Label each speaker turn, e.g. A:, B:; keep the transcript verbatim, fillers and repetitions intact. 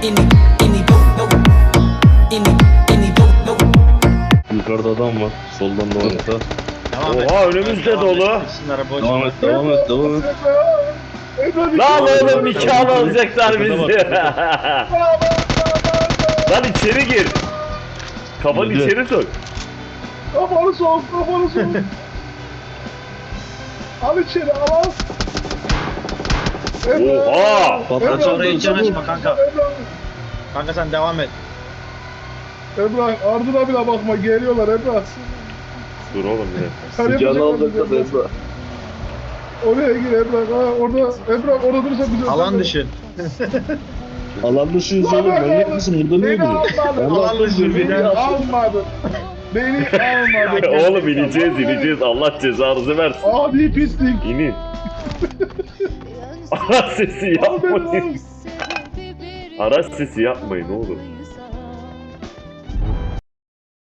A: Yukarıda adam var. Soldan da orta.
B: Oha önümüzde dolu.
A: Devam et, devam et, devam et.
B: Lan oğlum nikahını alacaklar bizi. Lan içeri gir. Kafanı
A: Girdi.
B: içeri sok.
C: Kafanı sok, kafanı sok. Al içeri, al al.
B: Oha!
A: Patlaç
D: oraya hiç yanaşma kanka.
C: Emrah,
D: Kanka sen devam et.
C: Emrah, ardına bile bakma, geliyorlar Emrah.
B: Dur oğlum bir dakika.
C: Sen
A: Sıcağını
C: yapacak
A: alacaklar
C: mısın
A: Emrah.
C: Oraya gir Emrah, ha, orada Emrah orada durursa bize...
D: Alan dışı.
A: Alan dışıyız oğlum. Manyak mısın? Burada niye
C: Beni
A: duruyorsun?
C: almadın,
D: Alan dışı.
C: beni almadın. Beni almadın.
B: Oğlum ineceğiz ineceğiz. Allah cezanızı versin.
C: Adi pislik.
B: İnin. Araç sesi
C: Al beni
B: yapmayın.
C: al.
B: Araç sesi yapmayın oğlum.